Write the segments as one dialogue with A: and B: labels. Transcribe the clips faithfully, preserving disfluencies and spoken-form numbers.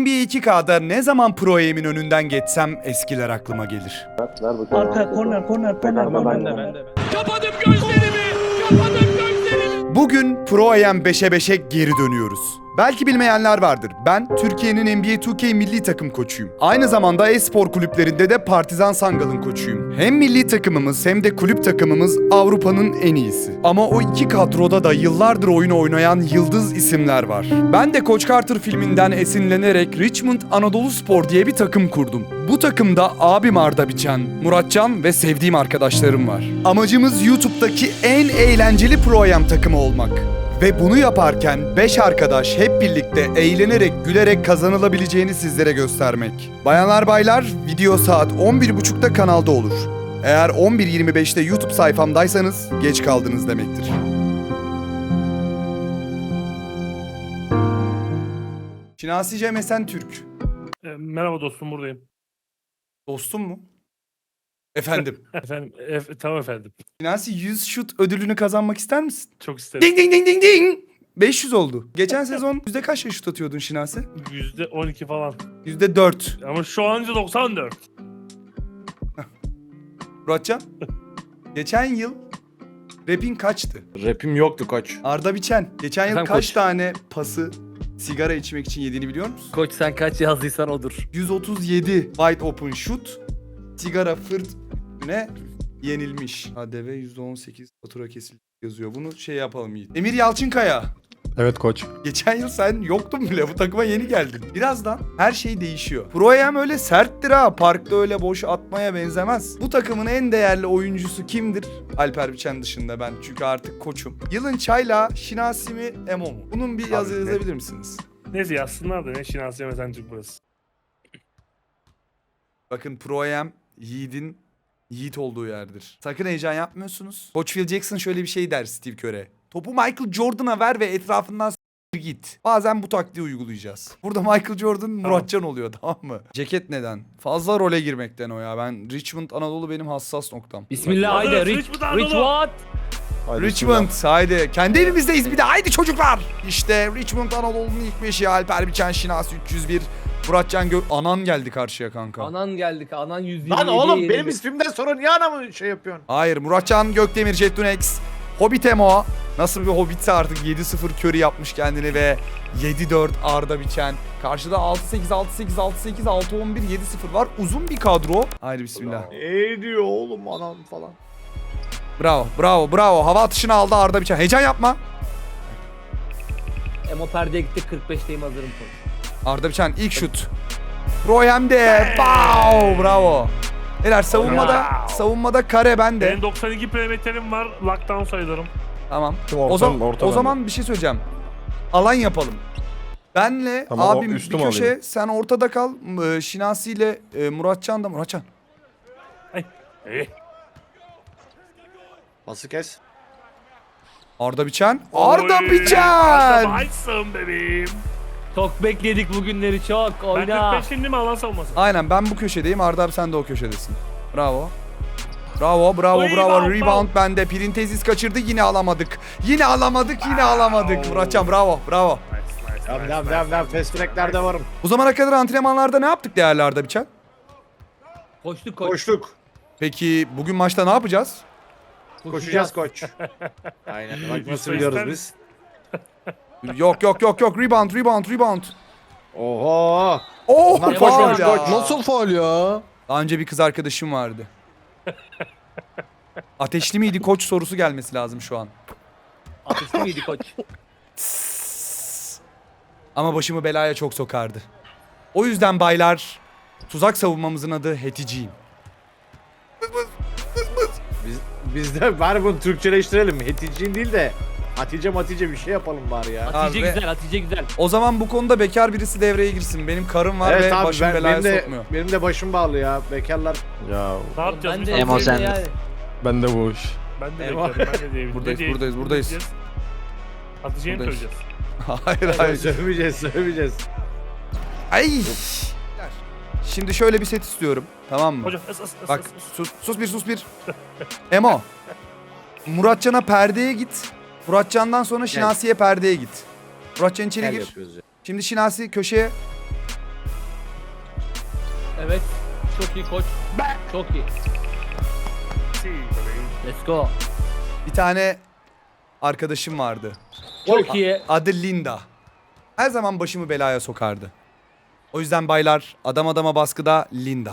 A: N B A iki K'da ne zaman Pro Aim'in önünden geçsem eskiler aklıma gelir.
B: Arka korner korner korner
C: Ama
B: korner.
C: ben de ben de.
D: Kapadım gözlerimi! Kapadım gözlerimi!
A: Bugün Pro Aim beşe beşe geri dönüyoruz. Belki bilmeyenler vardır. Ben Türkiye'nin N B A iki K milli takım koçuyum. Aynı zamanda e-spor kulüplerinde de Partizan Sangal'ın koçuyum. Hem milli takımımız hem de kulüp takımımız Avrupa'nın en iyisi. Ama o iki kadroda da yıllardır oyun oynayan yıldız isimler var. Ben de Koç Carter filminden esinlenerek Richmond Anadolu Spor diye bir takım kurdum. Bu takımda abim Arda Biçen, Muratcan ve sevdiğim arkadaşlarım var. Amacımız YouTube'daki en eğlenceli Pro Am takımı olmak. Ve bunu yaparken beş arkadaş hep birlikte eğlenerek, gülerek kazanılabileceğini sizlere göstermek. Bayanlar baylar, video saat on bir buçukta kanalda olur. Eğer on bir yirmi beşte YouTube sayfamdaysanız geç kaldınız demektir. Şinasi Cem Esen Türk.
C: E, merhaba dostum, buradayım.
A: Dostum mu? Efendim.
C: Efendim, ef- tamam efendim.
A: Şinasi yüz şut ödülünü kazanmak ister misin?
C: Çok isterim.
A: Ding ding ding ding ding. beş yüz oldu. Geçen sezon yüzde kaç şut atıyordun Şinasi?
C: yüzde on iki falan.
A: yüzde dört.
C: Ama şu anca doksan dört.
A: Muratcan? Geçen yıl rapin kaçtı?
E: Rapim yoktu koç.
A: Arda Biçen, geçen yıl
F: Efendim
A: kaç
F: koç?
A: tane pası sigara içmek için yediğini biliyor musun?
F: Koç sen kaç yazdıysan odur.
A: yüz otuz yedi wide open shoot, sigara fırt üstüne yenilmiş. H D V yüzde on sekiz fatura kesildi yazıyor. Bunu şey yapalım Yiğit. Emir Yalçınkaya.
G: Evet koç.
A: Geçen yıl sen yoktun bile, bu takıma yeni geldin. Birazdan her şey değişiyor. Pro Am öyle serttir ha. Parkta öyle boş atmaya benzemez. Bu takımın en değerli oyuncusu kimdir? Alper Biçen dışında ben. Çünkü artık koçum. Yılın çayla Şinasi mi Emo mu? Bunun bir yazı
C: Abi,
A: yazabilir misiniz?
C: Neyse yazsınlar da ne Şinasi Yemesen Türk burası.
A: Bakın Pro Am Yiğit'in Yiğit olduğu yerdir. Sakın heyecan yapmıyorsunuz. Koç Phil Jackson şöyle bir şey der Steve Kerr'e. Topu Michael Jordan'a ver ve etrafından s- git. Bazen bu taktiği uygulayacağız. Burada Michael Jordan Muratcan oluyor, tamam mı? Ceket neden? Fazla role girmekten o ya. Ben Richmond Anadolu benim hassas noktam.
F: Bismillah
C: Hazırız,
F: haydi. Rich,
C: Richmond Anadolu.
F: Rich what?
G: Haydi
A: Richmond haydi. Kendi evimizdeyiz bir de, haydi çocuklar. İşte Richmond Anadolu'nun ilk beşi Alper Biçen, Şinasi üç yüz bir, Muratcan Gök... Anan geldi karşıya kanka.
F: Anan geldik. Anan yüz yirmi
E: Lan
F: yedi,
E: oğlum
F: yedi.
E: benim ismimden sonra niye anamı şey yapıyorsun?
A: Hayır, Muratcan Gökdemir, Jettunex, Hobbit Emo. Nasıl bir Hobbit'se artık yedi sıfır Curry yapmış kendini ve yedi dört Arda Biçen. Karşıda altı sekiz altı sekiz altı sekiz altı on bir yedi sıfır var. Uzun bir kadro. Haydi bismillah.
E: Ne diyor oğlum anam falan.
A: Bravo, bravo, bravo. Hava atışını aldı Arda Biçen. Heyecan yapma.
F: Emo perdeye gitti. kırk beşteyim hazırım koç.
A: Arda Biçen ilk şut. Royem'de. Wow, bravo. Neler savunmada,
C: Wow.
A: savunmada kare bende.
C: Benim doksan iki perimetrim var. Lockdown sayılırım.
A: Tamam.
G: Tüm
A: O
G: ortam-
A: zaman
G: orta
A: o
G: bende.
A: zaman bir şey söyleyeceğim. Alan yapalım. Benle
G: Tamam, o
A: abim bir
G: üstüm
A: köşe,
G: alayım.
A: sen ortada kal. M- Şinasi ile e, Muratcan da Muratcan.
C: Eh.
E: Pası kes.
A: Arda Biçen. Arda
C: Oy,
A: Biçen.
C: Arda Biçen bebeğim.
F: Çok bekledik bugünleri çok.
C: Ben
F: Oyna.
C: kırk beş şimdi mi alan savunması?
A: Aynen, ben bu köşedeyim. Arda abi sen de o köşedesin. Bravo. Bravo, bravo,
C: Oy,
A: bravo.
C: rebound,
A: Rebound bende. Printezis kaçırdı. Yine alamadık. Yine alamadık, yine alamadık. Muratcan bravo, bravo.
C: Nice, nice,
E: Devam
C: nice,
E: devam
C: nice,
E: devam devam.
C: nice.
E: Fast track'lerde varım.
A: Bu zamana kadar antrenmanlarda ne yaptık değerli Arda Biçen?
F: Koştuk koç.
E: Koştuk.
A: Peki bugün maçta ne yapacağız?
E: Koşacağız koç. Aynen. Bak nasıl biliyoruz biz.
A: Yok yok yok yok. Rebound, rebound, rebound.
E: Oho.
A: Oh,
E: Bunlar
A: faul
E: koşmamış,
A: ya.
E: koç.
G: Nasıl faul ya?
A: Daha önce bir kız arkadaşım vardı. Ateşli miydi koç sorusu gelmesi lazım şu an.
F: Ateşli miydi koç?
A: Ama başımı belaya çok sokardı. O yüzden baylar, tuzak savunmamızın adı Heticiyim.
E: Biz, biz de bari bunu Türkçeleştirelim. Heticin değil de Hatice Matice bir şey yapalım bari ya.
F: Hatice
A: Abi-
F: güzel, Hatice güzel.
A: O zaman bu konuda bekar birisi devreye girsin. Benim karım var
E: Evet
A: ve
E: abi
A: başım
E: ben,
A: belaya
E: benim de
A: sokmuyor.
E: benim de başım bağlı ya. Bekarlar.
G: Ya
C: Ne yapacağız
F: Ben
C: biz?
F: de
C: Ben
F: Emo
C: de-
F: sen yani.
G: ben de bu iş.
C: Ben de
E: Eyvah.
C: beklerim. Ben de diyebilirim.
A: Buradayız,
C: Ne diye-
A: buradayız,
C: ne
A: buradayız.
C: diyeceğiz? Hatice'yi mi
A: Buradayız.
C: söyleyeceğiz?
A: Hayır hayır.
E: Sövmeyeceğiz sövmeyeceğiz.
A: Ay. Şimdi şöyle bir set istiyorum. Tamam mı?
C: Hocam ıs ıs ıs
A: Bak
C: ıs, ıs.
A: sus, sus bir sus bir. Emo. Muratcan'a perdeye git. Muratcan'dan sonra Şinasi'ye perdeye git. Muratcan içeri
E: Gel
A: gir.
E: yapıyoruz ya.
A: Şimdi Şinasi köşeye.
F: Evet. Çok iyi koç. Çok iyi.
C: Si bebeğim.
F: Let's go.
A: Bir tane arkadaşım vardı.
F: Çok iyi.
A: Adı Linda. Her zaman başımı belaya sokardı. O yüzden baylar, adam adama baskıda Linda.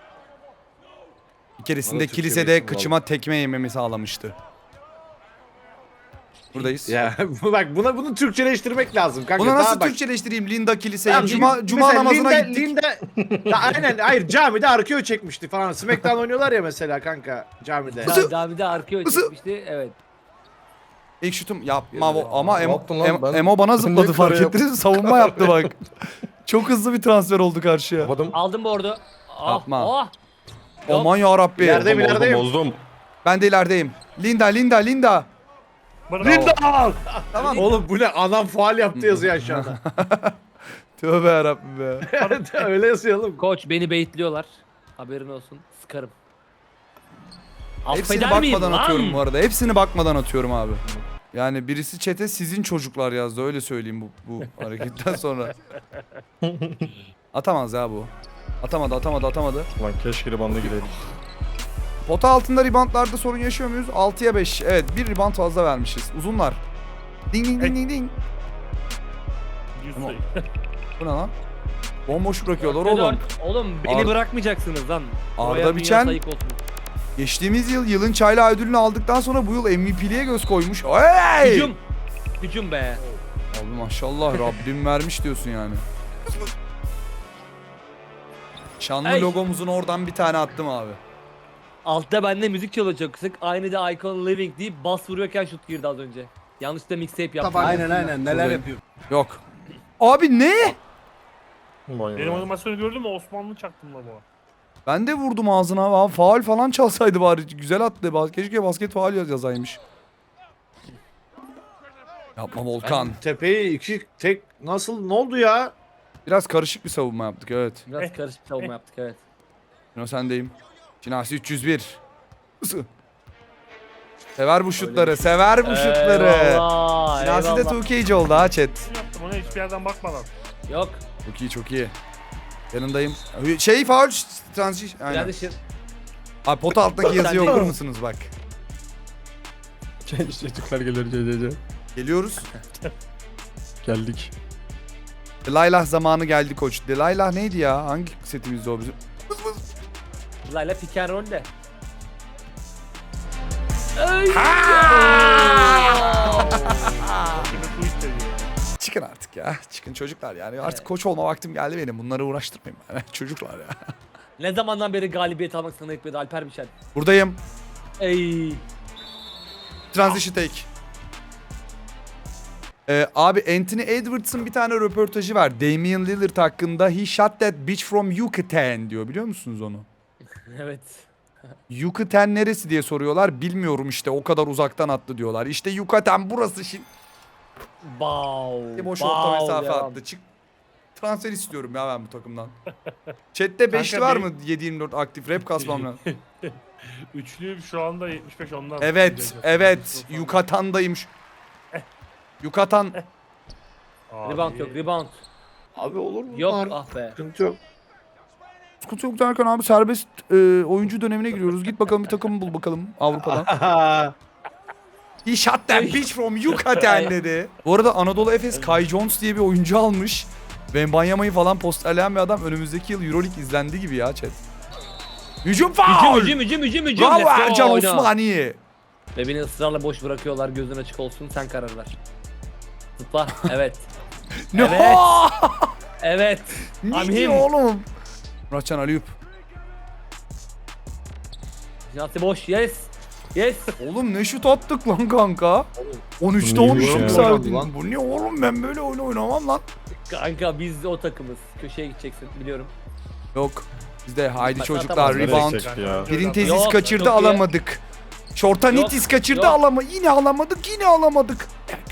A: Bir keresinde
E: Bana Türkçe bir
A: kilisede
E: isim
A: kıçıma tekme yememi sağlamıştı. Buradayız.
E: Ya bak buna bunu Türkçeleştirmek lazım kanka.
A: Bunu
E: Daha
A: nasıl
E: bak-
A: Türkçeleştireyim Linda kiliseye?
E: Tamam,
A: Cuma,
E: Lin-
A: Cuma
E: mesela
A: namazına
E: Linda,
A: gittik.
E: Linda, ya aynen hayır camide arkeo çekmişti falan. Smackdown oynuyorlar ya mesela kanka camide.
A: Nasıl?
F: Daha bir de arkaya
A: Nasıl?
F: çekmişti. Evet.
A: İlk şutum yapma o- ama
G: Ne
A: Emo,
G: yaptın lan?
A: Em-
G: Ben-
A: Emo bana
G: Ben
A: zıpladı
G: niye
A: fark
G: kare
A: ettiniz mi? Savunma yaptı bak. Çok hızlı bir transfer oldu karşıya.
G: Kapadım.
F: Aldım board'u. Ah,
A: Yapma.
F: Oh. Yok.
A: Aman yarabbi.
E: İleride-
G: Bozdum,
E: ilerideyim.
G: bozdum.
A: Ben de ilerideyim. Linda, Linda, Linda.
C: Linda!
A: Tamam.
E: Oğlum bu ne anam faal yaptı yazıyor aşağıda.
A: Tövbe yarabbim be.
E: Öyle yazıyor oğlum.
F: Koç beni baitliyorlar. Haberin olsun. Sıkarım.
A: Hepsini
F: Affeder miyim
A: bakmadan
F: lan?
A: atıyorum bu arada. Hepsini bakmadan atıyorum abi. Yani birisi çete sizin çocuklar yazdı öyle söyleyeyim bu, bu hareketten sonra. Atamaz ya bu. Atamadı atamadı atamadı.
G: Lan keşke ribanda gireydik.
A: Pota altında reboundlarda sorun yaşıyor muyuz? altıya beş. Evet bir rebound fazla vermişiz. Uzunlar. Ding ding ding ding ding.
C: Yüz
A: Ama-
C: sayı.
A: Bu ne lan? Bomboş bırakıyorlar
F: Dörtte
A: oğlum.
F: dört. Oğlum beni
A: Ar-
F: bırakmayacaksınız lan.
A: Arda
F: Oraya dünya
A: Biçen-
F: sayık olsun.
A: Geçtiğimiz yıl yılın çayla ödülünü aldıktan sonra bu yıl M V P'liğe göz koymuş. Hey!
F: Hücum. Hücum be.
A: Abi maşallah Rabbim vermiş diyorsun yani. Şanlı
F: Ey!
A: logomuzun oradan bir tane attım abi.
F: Altta bende müzik çalıyor çok kısık. Aynı da Icon Living deyip bas vuruyorken şut girdi az önce. Yanlışlıkla mixtape yaptım.
B: Aynen aynen neler
A: Buradayım.
B: yapıyor.
A: Yok. Abi ne?
G: Vay
C: Benim
G: be.
C: animasyonu gördün mü? Osmanlı çaktım la bu.
A: Ben de vurdum ağzına abi. Faul falan çalsaydı bari. Güzel attı. Bas- Keşke basket faul yaz- yazaymış. Yapma Volkan.
E: Ben tepeyi iki tek nasıl ne oldu ya?
A: Biraz karışık bir savunma yaptık evet.
F: Biraz
C: Eh,
F: karışık savunma
C: eh.
F: yaptık evet.
A: Yine sendeyim. Şinasi üç yüz bir. Isı. Sever bu şutları. Sever bu şutları.
F: Eyvallah.
A: Şinasi de
F: eyvallah.
A: two K'ci oldu ha chat.
C: Ne yaptım ona hiçbir yerden bakmadan.
F: Yok.
A: Çok iyi çok iyi. Yanındayım. Şey faul transition. Aynen.
F: Kardeşim.
A: Abi pot altındaki yazıyı
F: Sen-
A: okur musunuz bak.
G: Çocuklar gelir C C C.
A: Geliyoruz.
G: Geldik.
A: Delilah zamanı geldi koç. Delilah neydi ya? Hangi setimizde o bizim?
F: Layla pick and roll de.
C: Şimdi tweet ediyor.
A: Çıkın artık ya. Çıkın çocuklar yani. Artık koç olma vaktim geldi benim. Bunları uğraştırmayın bana. Çocuklar ya.
F: Ne zamandan beri galibiyet almak sana etmedi Alper Biçen.
A: Buradayım.
F: Ey.
A: Transition take. Ee, abi Anthony Edwards'ın bir tane röportajı var. Damian Lillard hakkında. He shot that bitch from Yucatan diyor. Biliyor musunuz onu?
F: Evet.
A: Yucatan neresi diye soruyorlar. Bilmiyorum işte o kadar uzaktan attı diyorlar. İşte Yucatan burası şimdi.
F: Wow.
A: Boş
F: wow
A: orta mesafe
F: devam.
A: attı. Çık. Transfer istiyorum ya ben bu takımdan. Chat'te beşli
C: Kanka
A: var
C: bir-
A: mı? yedi yirmi dört aktif rap kasmam lazım.
C: Üçlü şu anda yetmiş beş ondan.
A: Evet, evet. Yukatan'dayım. şu- Yucatan.
C: Abi.
F: Rebound yok rebound.
E: Abi olur mu?
F: Yok
E: Var.
F: ah be.
E: Sıkıntı yok.
A: Sıkıntı yok derken abi serbest e, oyuncu dönemine giriyoruz. Git bakalım bir takım bul bakalım Avrupa'dan. He shot that bitch from Yucatan dedi. Bu arada Anadolu Efes Kai Jones diye bir oyuncu almış. Wembanyama'yı falan posterleyen bir adam önümüzdeki yıl Euroleague izlendi gibi ya chat. Hücum
F: Hücum
A: faul!
F: hücum hücum hücum hücum.
A: Bravo
F: Let's go,
A: Ercan
F: oyna.
A: Osmani.
F: Ve beni ısrarla boş bırakıyorlar gözün açık olsun sen karar ver. Zıpla evet.
A: Ne?
F: Evet. Evet.
A: Ne
F: I'm
A: diyor
F: him.
A: oğlum? Muratcan Aliyup.
F: Jinati boş yes. Yes.
A: Oğlum ne şut attık lan kanka? on üçte
G: Bu
A: on
G: neymiş
A: üç
G: ya?
A: yükseldin.
E: Lan.
A: Bu ne oğlum ben böyle oyun oynamam lan.
F: Kanka biz o takımız. Köşeye gideceksin biliyorum.
A: Yok. Bizde haydi
F: Bak,
A: çocuklar
F: atamaz.
A: rebound.
G: Nereye çekti ya?
A: Birin
C: Yok,
A: tezis
F: yok,
A: kaçırdı
F: çok iyi.
A: alamadık. Şorta
F: Yok,
A: nitis kaçırdı
F: yok.
A: alama. Yine alamadık yine alamadık.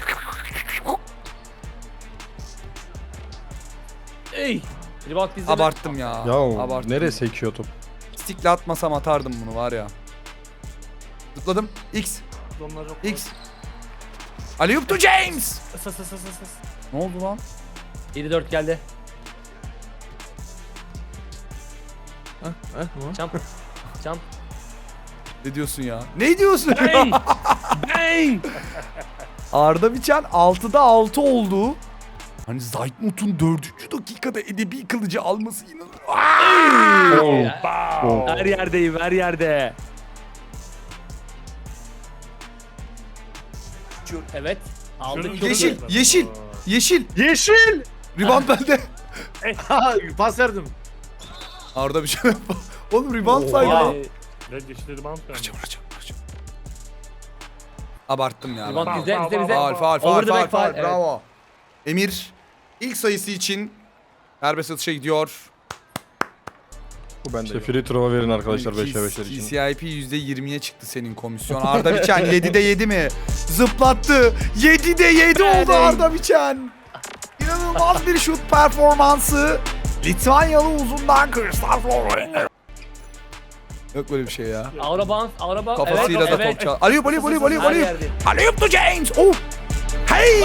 F: Ey. Rebound bizde.
A: Abarttım ya.
G: Ya
A: Abarttım.
G: nereye sekiyor top?
A: Stickle atmasam atardım bunu var ya. Zıpladım. X.
C: Onlar yok.
A: X. Aliyup to James.
C: Is, is, is, is, is.
A: Ne oldu lan?
F: yedi dört geldi. Jump. Jump.
A: Ne diyorsun ya? Ne diyorsun?
F: Bang! Bang!
A: Arda Biçen altıda altı oldu. Hani Zaytnot'un dördüncü dakikada edebi kılıcı alması inanılmaz.
F: Her yerdeyim, her yerde. Evet. Aldık
C: Şunu-
F: çok
A: Yeşil,
F: iyi.
A: yeşil, yeşil.
E: Yeşil.
A: Rebound bende.
E: Pas verdim.
A: Arda Biçen. Oğlum rebound saydı.
E: Oha.
A: lan.
F: Ee,
C: Red yeşilleri bant vermiş.
A: Kaçım, kaçım, kaçım. Abarttım ya.
F: Rebound
A: ben.
F: bizde,
C: Faul,
F: bizde, bizde.
A: Faul, faul, faul,
F: Over the
A: faul,
F: back
A: faul.
F: faul, evet.
A: Bravo. Emir ilk sayısı için serbest atışa gidiyor.
G: Bu bende. İşte free throw'a verin arkadaşlar beşe beşler için.
A: C I P yüzde yirmiye çıktı senin komisyon. Arda Biçen yedide yedi mi? Zıplattı. yedide yedi oldu Arda Biçen. İnanılmaz bir şut performansı. Litvanyalı uzundan Kristal Florent. Yok böyle bir şey ya.
F: Aura bounce, aura bounce.
A: Kafasıyla
F: evet,
A: da
F: evet.
A: top çal. Aliyup, aliyup, aliyup, aliyup,
F: Her
A: aliyup.
F: yerde.
A: Aliyup to James. Oh. Hey.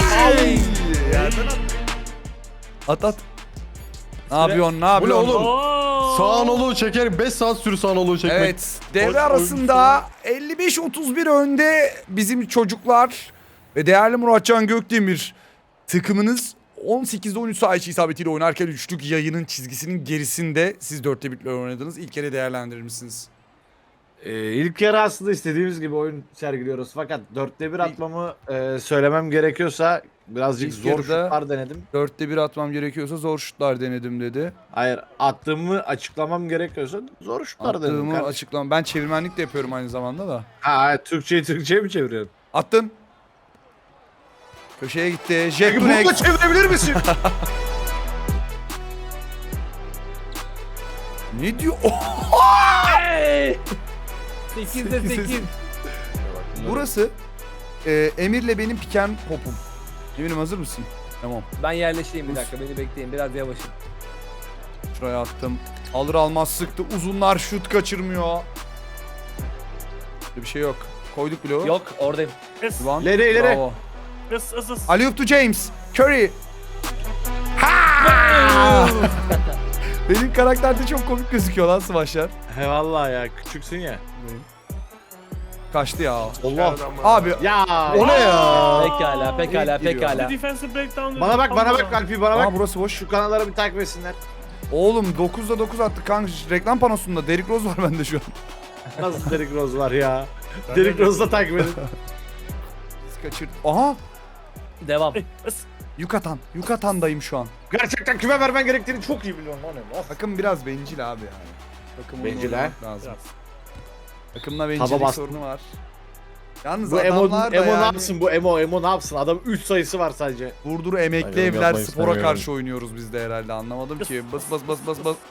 A: At at. Ne yapıyorsun? Ne
G: Bu ne
A: yapıyorsun?
G: oğlum?
C: Oo!
G: Sağ nolu çeker. beş saat sürü sağ nolu çekmek.
A: Evet, devre
C: Oyun-
A: arasında elli beş otuz bir önde bizim çocuklar ve değerli Muratcan Gökdemir takımınız on sekizde on üç sayı isabetiyle oynarken üçlük yayının çizgisinin gerisinde siz dörtte birle oynadınız. İlk kere değerlendirir misiniz?
E: Ee, ilk yarı aslında istediğimiz gibi oyun sergiliyoruz. Fakat dörtte bir atmamı e, söylemem gerekiyorsa birazcık
A: İlk
E: zor
A: yarıda-
E: şutlar denedim.
A: Dörtte bir atmam gerekiyorsa zor şutlar denedim dedi.
E: Hayır, attığımı açıklamam gerekiyorsa zor şutlar denedim.
A: Attığımı
E: kardeşim.
A: açıklamam. Ben çevirmenlik de yapıyorum aynı zamanda da.
E: Ha, Türkçeyi Türkçe'ye mi çeviriyorsun?
A: Attın. Köşeye gitti.
E: Peki
A: Jet
E: bunu da
A: Dunex.
E: çevirebilir misin?
A: Ne diyor?
F: Hey! sekizde sekiz.
A: Burası e, Emir'le benim piken popum. Emir'im hazır mısın? Tamam.
F: Ben yerleşeyim bir dakika, beni bekleyin, biraz yavaşım.
A: Şuraya attım. Alır almaz sıktı. Uzunlar şut kaçırmıyor. Böyle bir şey yok. Koyduk bile o.
F: Yok, oradayım.
C: Es,
A: Rebound.
E: İleri, ileri.
A: Bravo.
C: es, es, es.
A: Alley-oop to James. Curry. Ha! Benim karakterde çok komik gözüküyor lan smaçlar.
E: He vallahi ya, küçüksün ya.
A: Kaçtı ya.
E: Allah.
C: Nereden var?
A: Abi
E: Ya.
G: O ne ya?
F: Pekala, pekala,
A: giriyor.
F: pekala.
C: Bir defensive breakdown.
E: Bana bak, bana bak Alpi, bana bak.
A: Aa, burası boş.
E: Şu kanalları bir takip etsinler.
A: Oğlum dokuzda dokuz attık kanka. Reklam panosunda Derrick Rose var bende şu an.
E: Nasıl Derrick Rose var ya? Derrick Rose'u da takip edin.
A: Kaçır. Aha!
F: Devam.
C: Es.
A: Yucatan. Yucatan'dayım şu an.
E: Gerçekten küme vermen gerektiğini çok iyi biliyorum lan. Of.
A: Takım biraz bencil abi yani. Takım oyunu
E: Bencil ha?
A: oynamak lazım.
C: Biraz.
A: Takımla
E: Taba
A: bencillik
E: bastım.
A: sorunu var. Yalnız
E: Bu Emo,
A: adamlar da
E: Emo ne
A: yani
E: yapsın bu Emo, Emo ne yapsın? Adam üç sayısı var sadece.
A: Vurduru emekli
G: Hayır,
A: evler
G: yapmayı
A: spora
G: istemiyorum.
A: karşı oynuyoruz biz de herhalde anlamadım ki. Bas bas bas bas bas.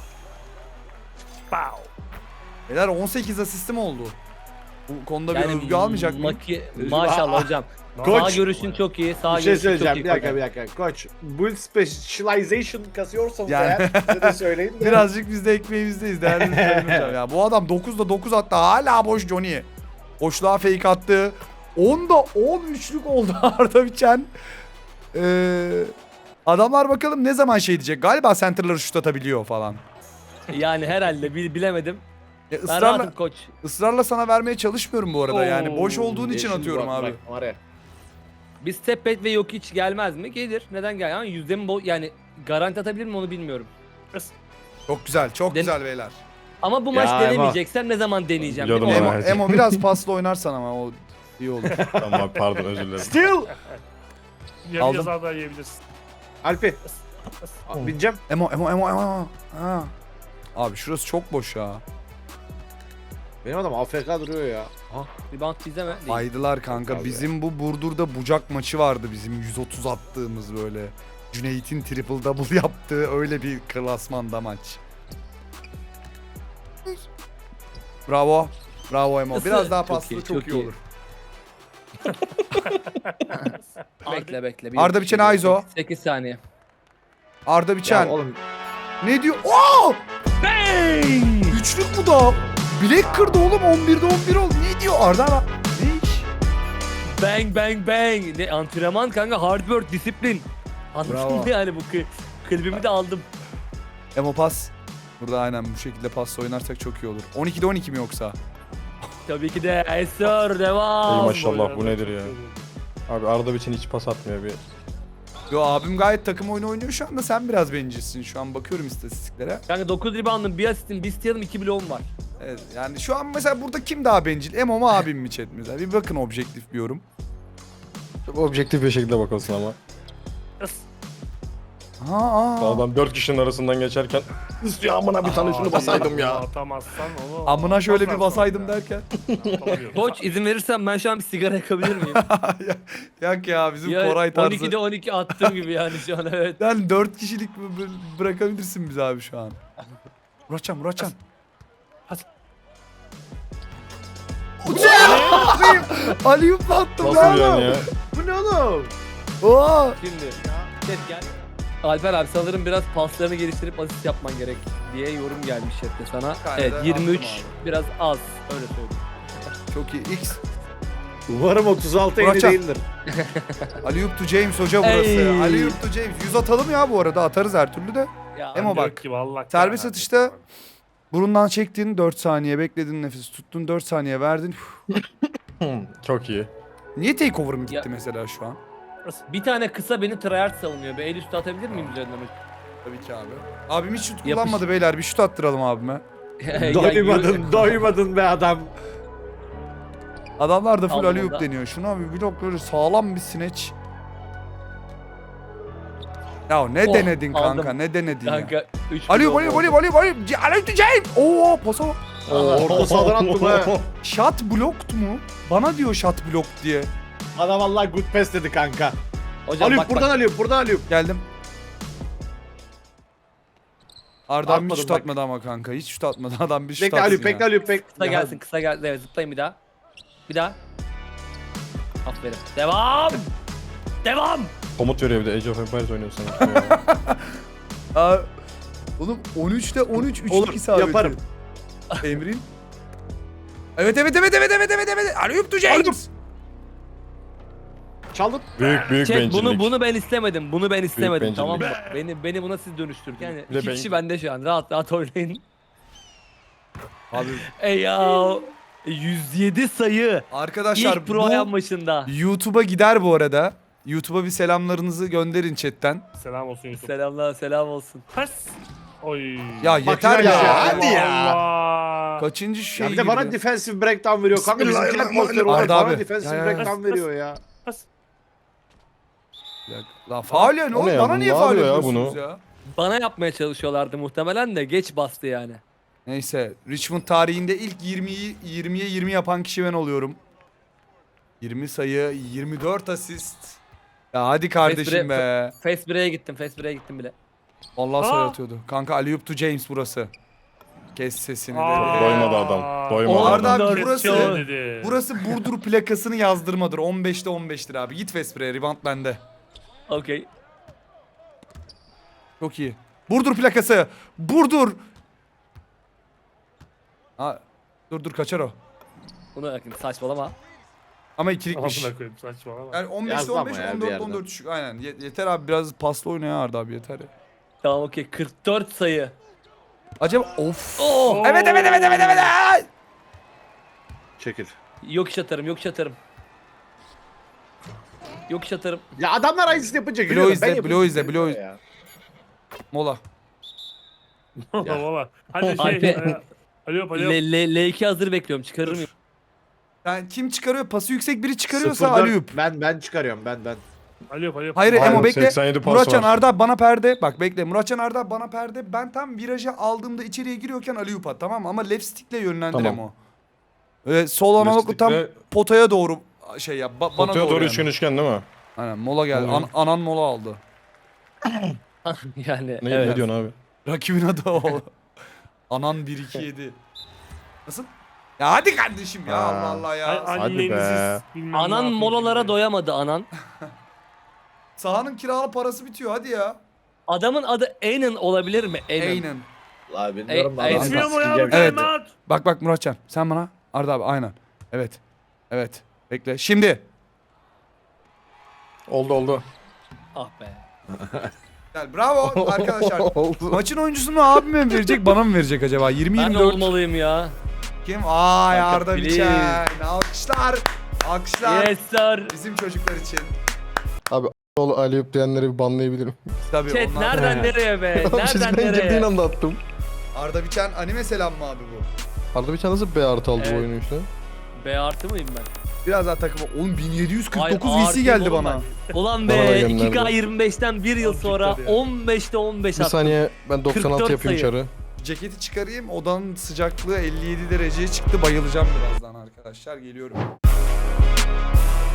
C: Pow.
A: Beyler on sekiz asistim oldu. Bu konuda bir
F: Yani
A: övgü almayacak mıyım?
F: maki- Maşallah hocam.
E: Koç.
F: Sağ görüşün çok iyi, sağ
E: Bir şey
F: görüşün çok
E: söyleyeceğim,
F: iyi.
E: bir dakika
F: koç.
E: bir dakika. Koç, build specialization kasıyorsanız
A: Yani-
E: eğer bize de söyleyin de.
A: Birazcık biz de ekmeğimizdeyiz değerli izleyiciler ya. Bu adam dokuzda dokuz attı hala boş Johnny. Boşluğa fake attı. onda on üçlük oldu Arda Biçen. Ee, adamlar bakalım ne zaman şey diyecek. Galiba center'ları şut atabiliyor falan.
F: Yani herhalde bil- bilemedim.
A: Ya
F: Ben
A: ısrarla,
F: rahatım koç.
A: ısrarla sana vermeye çalışmıyorum bu arada yani.
E: Oo,
A: Boş olduğun için
E: yeşil
A: atıyorum
E: bak,
A: abi.
E: bak, var ya.
F: Bir step back ve yok hiç gelmez mi? Gelir. Neden gel? Ama yüzde mi bo- yani garanti atabilir mi onu bilmiyorum.
A: Çok güzel, çok
F: Den-
A: güzel beyler.
F: Ama bu
E: Ya
F: maç
E: Emo.
F: denemeyeceksem ne zaman deneyeceğim? değil mi?
G: Biliyordum
A: Emo,
G: ama.
A: Emo biraz paslı oynarsan ama o iyi olur.
G: Tamam abi, pardon, özür dilerim.
E: Still!
C: Yarı
A: Aldım.
C: yazar da yiyebilirsin.
E: Alpi. Aa, Bineceğim.
A: Emo, Emo, Emo, Emo. Ha. Abi şurası çok boş ya.
E: Benim adam A F K duruyor ya. Ha.
F: Rebound bizde mi? Değil.
A: Aydılar kanka.
E: Abi.
A: Bizim bu Burdur'da bucak maçı vardı bizim yüz otuz attığımız böyle. Cüneyt'in triple double yaptığı öyle bir klasmanda maç. Bravo. Bravo Emo. Biraz daha
F: Çok
A: paslı
F: iyi,
A: çok,
F: çok
A: iyi,
F: iyi.
A: olur.
F: Bekle bekle. Bir
A: Arda
F: yok,
A: Biçen
F: bir şey
A: Aizo.
F: yok. sekiz saniye.
A: Arda Biçen.
E: Ya oğlum
A: Ne diyor? Oo! Üçlük bu da. Bilek kırdı oğlum. on birde on bir oldu. Ne diyor Arda? Ara- Ne iş?
F: Bang bang bang. Ne antrenman kanka, hard work, disiplin.
A: Bravo.
F: Anladın mı yani bu kı- klibimi de aldım.
A: Emo pas. Burada aynen bu şekilde pasla oynarsak çok iyi olur. on ikide on iki mi yoksa?
F: Tabii ki de Esör
G: Ey
F: devam.
G: maşallah bu nedir ya? Abi Arda için hiç pas atmıyor bir.
A: Yo abim gayet takım oyunu oynuyor şu anda, sen biraz bencilsin. Şu an bakıyorum istatistiklere.
F: Kanka dokuz rebound'ın, bir asistin, bir steal'ım, iki bloğum var.
A: Evet, yani şu an mesela burada kim daha bencil? Emo mu abim mi chat mesela? Bir bakın objektif bir yorum.
G: Çok objektif bir şekilde bakılsın ama.
A: Ha, aa.
G: Adam dört kişinin arasından geçerken ya amına bir tane şunu basaydım ya.
C: Atamazsan onu.
A: Amına şöyle bir
C: atamazsan
A: basaydım
C: ya.
A: derken.
C: Atamıyorum.
F: Koç izin verirsen ben şu an bir sigara yakabilir miyim?
A: Yak ya bizim
F: ya
A: Koray tarzı.
F: on ikide on iki attığım gibi yani şu an evet.
A: Yani dört kişilik b- b- bırakabilirsin bizi abi şu an. Muratcan, Muratcan. Hadi. Uçayım! Aliyup attım
G: Nasıl
A: ben.
G: yani ya?
E: Bu ne oğlum?
A: Oo!
F: Şimdi chat gel. Alper abi sanırım biraz paslarını geliştirip asist yapman gerek diye yorum gelmiş chatte sana.
A: tane
F: Evet
A: de
F: yirmi üç
A: attım
F: biraz az öyle söyleyeyim.
A: Çok iyi. X.
E: Umarım otuz altı elli
A: Muratcan.
E: değildir.
A: Aliyup to James hoca burası.
F: Ey.
A: Aliyup to James. yüz atalım ya bu arada. Atarız her türlü de.
F: Ya
A: Emo
C: Yok
A: bak.
C: ki vallahi
A: Serbest
C: karar
A: atışta
C: verdim.
A: burundan çektin dört saniye, bekledin nefes tuttun dört saniye verdin.
G: Çok iyi.
A: Niye takeover'ım gitti
F: Ya-
A: mesela şu an?
F: bir tane kısa beni tryhard savunuyor. Bir el üstü atabilir miyim üzerinden?
A: Tabii ki abi. Abim hiç şut
F: Yapış-
A: kullanmadı beyler. Bir şut attıralım abime.
F: Ya,
E: Doymadın,
F: yürü-
E: doymadın be adam.
A: Adamlar da full
F: Aldım
A: Aliyup
F: onda.
A: deniyor. Şuna bir blok böyle sağlam bir sineç. Ya ne
F: Oh,
A: denedin kanka?
F: aldım.
A: Ne denedin ya?
F: Kanka üç
A: Aliyup,
F: bloğum
A: Aliyup,
F: oldu.
A: Aliyup, Aliyup, Aliyup. C- Aliyup to James. Oo, pasa bak.
E: Orta sahadan attı be.
A: Shot blocked mu? Bana diyor shot block diye.
E: Adam vallahi good pass dedi kanka.
F: Hocam
E: Aliyup
F: bak
E: buradan
F: bak.
E: Aliyup, buradan Aliyup.
A: Geldim. Arda abi hiç
E: Atmadım
A: şut
E: bak.
A: atmadı ama kanka. Hiç şut atmadı. Adam bir şut
E: Bekle
A: atsın
E: Aliyup,
A: ya.
E: bekle Aliyup, bekle.
F: Kısa gelsin kısa gelsin. Evet zıplayın bir daha. Bir daha. Aferin. Devam. Devam.
G: Komut veriyor bir de Age of Empires oynuyor sanki ya.
A: Aa, oğlum on üçte on üç üçlük
E: Olur,
A: isabeti.
E: yaparım.
A: Emrin. Evet evet evet evet evet evet evet. Aliyup to James.
E: Çaldım.
G: Büyük büyük
F: Chat
G: bencillik.
F: bunu bunu ben istemedim. Bunu ben istemedim
G: bencillik.
F: tamam mı? Beni beni buna siz dönüştürün. Yani
G: Bir de
F: iki
G: ben-
F: kişi bende şu an. Rahat rahat oynayın.
A: Abi
F: Ey ya. yüz yedi sayı.
A: arkadaşlar
F: İlk pro ayağın
A: bu
F: başında.
A: YouTube'a gider bu arada. YouTube'a bir selamlarınızı gönderin chatten.
C: Selam olsun Yusuf.
F: Selamlar selam olsun.
C: Pas. Oy.
A: Ya
E: Bak
A: yeter
E: yine
A: ya.
E: ya, hadi ya.
C: Allah.
A: Kaçıncı şey
E: Ya bir de bana
A: girdi?
E: defensive breakdown veriyor kanka. Bizimkiler
G: Bismillahirrahmanirrahim.
E: posteri olarak
A: Arda
E: bana
A: abi.
E: defensive
A: Ya, ya, ya.
E: breakdown veriyor ya.
C: Pas.
A: La faul ya ne
G: O ne
A: oğlum?
G: ya?
A: Bana
G: Bu
A: niye
G: ne
A: faul
G: yapıyor ya
A: yapıyorsunuz
G: bunu?
A: ya?
F: Bana yapmaya çalışıyorlardı muhtemelen de geç bastı yani.
A: Neyse Richmond tarihinde ilk yirmiyi yirmiye yirmi yapan kişi ben oluyorum. yirmi sayı, yirmi dört asist. Ya hadi kardeşim
F: Face
A: be.
F: Face break'e gittim. Face break'e gittim bile.
A: Allah
C: Aa!
A: sayı atıyordu. Kanka Aliyup to James burası. Kes sesini
C: Aa.
A: de.
G: Doymadı adam. Doymadı
A: Arda
G: adam.
A: abi burası
C: Kes dedi.
A: burası Burdur plakasını yazdırmadır. on beşte on beştir abi. Git Vespre'ye, rebound bende.
F: Okey.
A: Çok iyi. Burdur plakası. Burdur. Ha, dur dur kaçar o.
F: Bunu bakın saçmalama.
A: Ama ikilikmiş.
C: Amına koyayım saçmalama.
A: Yani on beşte
E: Yazdı
A: on beş,
E: ama ya bir
A: on dört
E: yerden.
A: on dört düşük. Aynen. Ye- yeter abi biraz paslı oyna ya Arda abi yeter ya.
F: Tamam okey. kırk dört sayı.
A: Acaba of.
F: Oh!
A: Evet evet evet evet evet. Ay!
E: Çekil.
F: Yok iş atarım, yok iş atarım. Yok iş atarım.
E: Ya adamlar aynısını yapınca
A: Blow
E: gülüyorum.
A: izle,
E: Ben yapınca
A: blow izle,
E: gülüyorum
A: blow
E: ya.
A: Mola.
C: Valla valla. Hadi şey.
F: Alper-
C: e, Alo alo.
F: L, L, L iki hazır bekliyorum. Çıkarır mıyım?
A: Yani kim çıkarıyor? Pası yüksek biri çıkarıyorsa
E: Sıfır dört.
A: Aliyup.
E: Ben ben çıkarıyorum ben ben.
C: Alo alo.
A: Hayır
G: Aynen,
A: Emo bekle.
G: seksen yedi pas
A: Muratcan
G: var.
A: Arda bana perde. Bak bekle. Muratcan Arda bana perde. Ben tam virajı aldığımda içeriye giriyorken Aliyup at tamam mı? Ama left stick'le yönlendir
G: Tamam.
A: Emo. Ee, sol analoglu tam
G: stick'le-
A: potaya doğru şey yap. Ba- bana
G: Potaya
A: doğru,
G: doğru
A: yani.
G: üçgen üçgen değil mi?
A: Aynen mola geldi.
G: Oluyor.
A: An- anan mola aldı.
F: yani
G: Ne,
F: evet.
G: ne diyorsun abi?
A: Rakibin adı o. Anan bir iki yedi. Nasıl? Ya hadi kardeşim ya
G: Ha.
A: Allah Allah ya.
C: Ay-
G: Hadi
C: anneniziz,
G: be.
C: bilmem ne
F: Anan
C: yapıyor
F: molalara
C: şimdi.
F: doyamadı anan.
A: Sahanın kiralı parası bitiyor hadi ya.
F: Adamın adı Anan olabilir mi? Anan.
A: Aynen.
E: La bilmiyorum da
F: Ey-
E: adam
C: Yetmiyor mu ya bu
E: sikeceğim.
A: Evet.
C: kaymat?
A: Bak bak Muratcan sen bana. Arda abi aynen. Evet. Evet. Bekle. Şimdi.
G: Oldu oldu.
F: Ah be.
A: Bravo arkadaşlar.
G: Oldu.
A: Maçın oyuncusunu abime mi verecek bana mı verecek acaba? yirmi
F: Ben
A: yirmi dört.
F: olmalıyım ya.
A: Kim? Ay
F: Kanka,
A: Arda
F: please.
A: Biçen. Alkışlar. Alkışlar.
F: Yes sir.
A: Bizim çocuklar için.
G: Oğlum Aliyup diyenleri bir banlayabilirim.
A: Tabii
F: Chat
A: onlar.
F: nereden nereye be?
G: Abi siz
F: Nereden
G: ben girdiğin
F: nereye?
G: anda attım.
A: Arda Biçen anime selam mı abi bu?
G: Arda bir tane nasıl B artı aldı
F: Evet.
G: bu oyunu işte.
F: B artı mıyım ben?
A: Biraz daha takıma. Oğlum bin yedi yüz kırk dokuz
F: Ay,
A: V C geldi
F: artıyım oğlum
A: bana.
F: ben. Ulan
G: Bana da
F: be
G: gönderdi.
F: iki K yirmi beşten bir yıl sonra
C: Azıcık tabii ya.
F: on beşte on beş
G: Bir
F: attım.
G: saniye ben doksan altı
F: kırk dört
G: yapayım
F: sayı.
G: çarı.
A: Ceketi çıkarayım. Odanın sıcaklığı elli yedi dereceye çıktı. Bayılacağım birazdan arkadaşlar. Geliyorum.